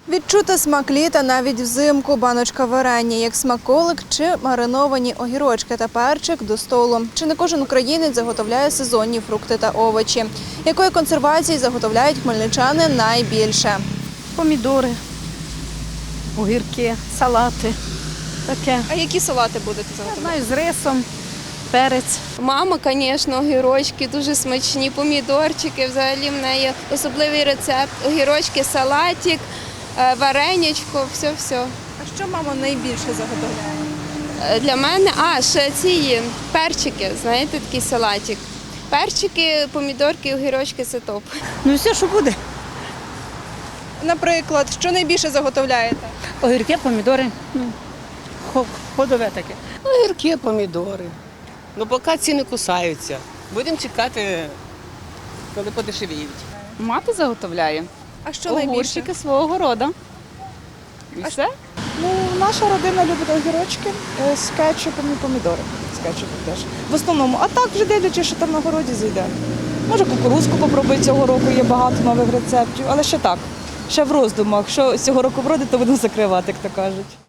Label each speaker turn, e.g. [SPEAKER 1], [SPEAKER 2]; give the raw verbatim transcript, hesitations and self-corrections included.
[SPEAKER 1] Відчути смак літа навіть взимку. Баночка варення, як смаколик чи мариновані огірочки та перчик до столу. Чи не кожен українець заготовляє сезонні фрукти та овочі? Якої консервації заготовляють хмельничани найбільше?
[SPEAKER 2] Помідори, огірки, салати. Таке.
[SPEAKER 1] А які салати будете
[SPEAKER 2] Я
[SPEAKER 1] заготовляти?
[SPEAKER 2] знаю, з рисом, перець.
[SPEAKER 3] Мама, звісно, огірочки дуже смачні, помідорчики, взагалі в неї особливий рецепт. Огірочки, салатик, е, варенячко, все-все.
[SPEAKER 1] А що мама найбільше заготовляє?
[SPEAKER 3] Е, Для мене, а, ще ці перчики, знаєте, такий салатик. Перчики, помідорки, огірочки – це топ.
[SPEAKER 2] Ну все, що буде.
[SPEAKER 1] Наприклад, що найбільше заготовляєте?
[SPEAKER 2] Огірки, помідори, ну, хо- ходове таке.
[SPEAKER 4] Огірки, помідори. Ну, поки ціни кусаються. Будемо чекати, коли подешевіють.
[SPEAKER 5] Мати заготовляє
[SPEAKER 1] А що найбільше?
[SPEAKER 5] огурчики свого города. І все.
[SPEAKER 6] Ну, наша родина любить огірочки е, з кетчупом і помідори. З кетчупом теж. В основному. А так вже дивлячись, що там на городі зайде. Може, кукурузку попробуй цього року, є багато нових рецептів, але ще так. Ще в роздумах. Що цього року вродить, то будемо закривати, як то кажуть.